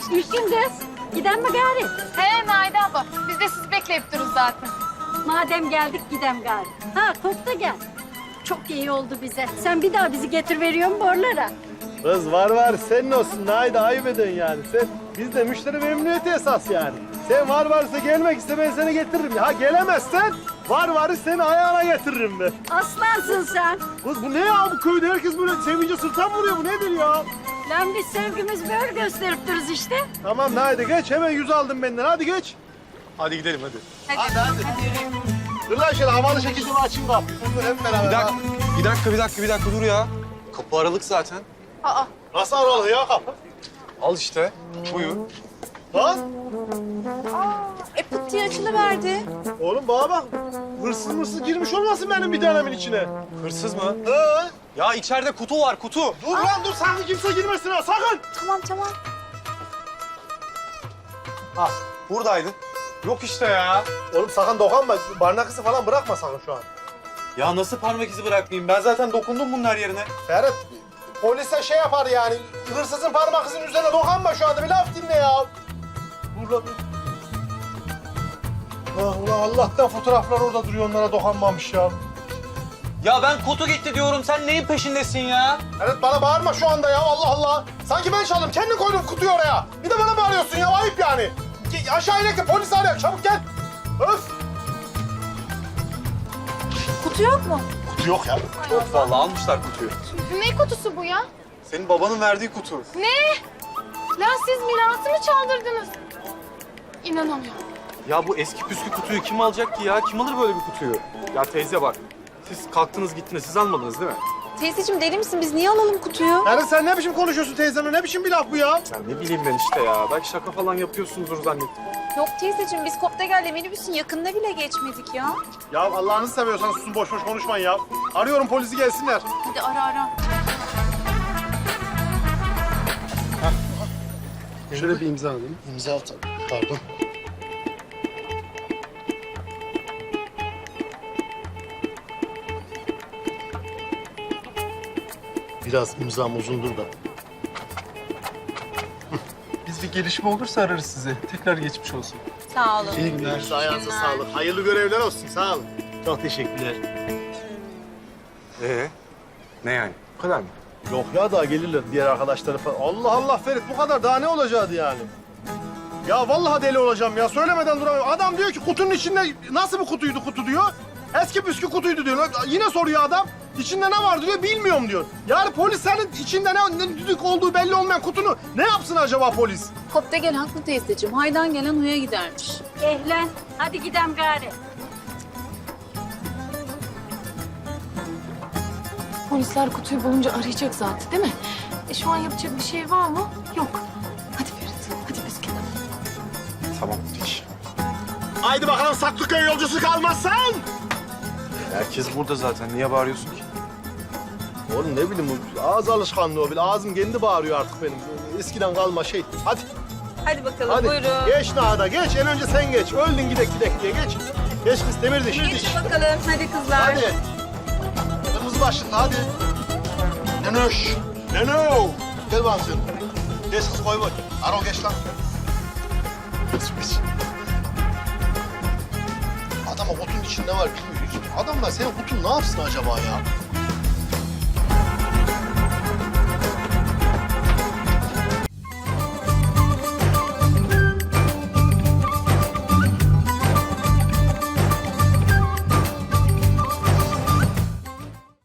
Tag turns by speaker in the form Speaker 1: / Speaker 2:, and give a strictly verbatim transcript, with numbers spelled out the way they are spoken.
Speaker 1: İlkin kız. Giden mi gari?
Speaker 2: He Naide abla, biz de sizi bekleyip dururuz zaten.
Speaker 1: Madem geldik gidem gari. Ha Kop da gel. Çok iyi oldu bize. Sen bir daha bizi getir veriyorsun borlara.
Speaker 3: Kız var var senin olsun. Haydi ayıp ediyorsun yani. Sen, bizde müşteri memnuniyeti esas yani. Sen var varsa gelmek iste ben seni getiririm. Ha gelemezsen var varı seni ayağına getiririm ben.
Speaker 1: Aslansın sen.
Speaker 3: Kız bu ne ya bu köyde herkes böyle sevince sırttan vuruyor bu nedir ya?
Speaker 1: Lan biz sevgimiz böyle gösterip dururuz işte.
Speaker 3: Tamam haydi geç hemen yüz aldım benden hadi geç.
Speaker 4: Hadi gidelim hadi.
Speaker 2: Hadi,
Speaker 3: Hadi, hadi.
Speaker 2: hadi yürüyün.
Speaker 3: Dur lan şöyle havalı şekilde bir açayım kapıyı. Dur hep beraber.
Speaker 4: Bir dakika,
Speaker 3: ha.
Speaker 4: bir dakika, bir dakika, bir dakika dur ya. Kapı aralık zaten.
Speaker 2: Aa,
Speaker 3: Nasıl aralı ya kapı?
Speaker 4: Al işte, buyur.
Speaker 3: Lan
Speaker 2: e pıt diye açılıverdi.
Speaker 3: oğlum bana bak. Hırsız mırsız girmiş olmasın benim bir tanemin içine.
Speaker 4: Hırsız mı?
Speaker 3: Ee?
Speaker 4: Ya içeride kutu var, kutu.
Speaker 3: Dur lan dur sakın kimse girmesin ha sakın.
Speaker 2: Tamam tamam.
Speaker 4: Ah, buradaydı. Yok işte ya.
Speaker 3: Oğlum sakın dokunma. Barnak izi falan bırakma sakın şu an.
Speaker 4: Ya nasıl parmak izi bırakmayayım? Ben zaten dokundum bunun her yerine.
Speaker 3: Ferhat polise şey yapar yani. Hırsızın parmak izinin üzerine dokunma şu anda. Bir laf dinle ya. Dur lan. Ah, ulan Allah'tan fotoğraflar orada duruyor onlara dokunmamış ya.
Speaker 4: Ya ben kutu gitti diyorum. Sen neyin peşindesin ya?
Speaker 3: Ferhat bana bağırma şu anda ya Allah Allah. Sanki ben çaldım. Kendin koydun kutuyu oraya. Bir de bana bağırıyorsun ya ayıp yani. Ge- Aşağı inek de polis arıyor. Çabuk gel. Öf.
Speaker 2: Kutu yok mu?
Speaker 3: Kutu yok ya.
Speaker 4: Yok vallahi almışlar kutuyu.
Speaker 2: Ne kutusu bu ya?
Speaker 4: Senin babanın verdiği kutu.
Speaker 2: Ne? Lan siz mirası mı çaldırdınız? İnanamıyorum.
Speaker 4: Ya bu eski püskü kutuyu kim alacak ki ya? Kim alır böyle bir kutuyu? Ya teyze bak. Siz kalktınız gittiniz. Siz almadınız değil mi?
Speaker 2: Teyzeciğim deli misin? Biz niye alalım kutuyu?
Speaker 3: Ferhat sen ne biçim konuşuyorsun teyzemle? Ne biçim bir laf bu ya?
Speaker 4: Ya ne bileyim ben işte ya. Belki şaka falan yapıyorsunuzdur zannettim.
Speaker 2: Yok teyzeciğim biz Koptegel'le minibüsün yakında bile geçmedik ya.
Speaker 3: Ya Allah'ınızı seviyorsan susun boş boş konuşmayın ya. Arıyorum polisi gelsinler.
Speaker 2: Hadi ara ara.
Speaker 3: Şöyle bir imza alayım. İmza at. Pardon. Biraz imzam uzundur da.
Speaker 5: Biz bir gelişme olursa ararız sizi. Tekrar geçmiş olsun.
Speaker 2: Sağ olun.
Speaker 3: İyi günler. Ayağınıza sağlık. Hayırlı görevler olsun. Sağ olun. Çok teşekkürler.
Speaker 4: Ee? Ne yani? Bu kadar mı?
Speaker 3: Yok ya daha gelirler diğer arkadaşları falan. Allah Allah Ferit bu kadar daha ne olacaktı yani? Ya vallahi deli olacağım ya söylemeden duramıyorum. Adam diyor ki kutunun içinde nasıl bir kutuydu kutu diyor. Eski püskü kutuydu diyor. Yine soruyor adam. İçinde ne var diyor bilmiyorum diyor. Yani polis senin içinde ne, ne düdük olduğu belli olmayan kutunu ne yapsın acaba polis?
Speaker 2: Koptegel haklı teyzeciğim. Haydan gelen huya gidermiş.
Speaker 1: Ehlen. Hadi gidem gari.
Speaker 2: Polisler kutuyu bulunca arayacak zaten değil mi? E şu an yapacak bir şey var mı? Yok. Hadi Ferit, hadi biz gidelim.
Speaker 4: Tamam. Hiç.
Speaker 3: Haydi bakalım Saklıköy yolcusu kalmazsan.
Speaker 4: Herkes burada zaten. Niye bağırıyorsun ki?
Speaker 3: Oğlum ne bileyim bu ağız alışkanlığı o. Bir ağzım kendi bağırıyor artık benim. Eskiden kalma şey. Hadi.
Speaker 2: Hadi bakalım
Speaker 3: Hadi
Speaker 2: buyurun.
Speaker 3: geç Nada geç. En önce sen geç. Öldün gidek gidek diye geç. Geç kız demir diş. diş.
Speaker 2: Geçin bakalım hadi kızlar.
Speaker 3: Hadi. Kırmızı başlıklı hadi. Nenoş. Neno. Gel bana sen. Geç kız koy boy. Aro geç lan. Geç geç. Adama kutunun içinde ne var bilmiyor. Adamlar senin kutun ne yapsın acaba ya?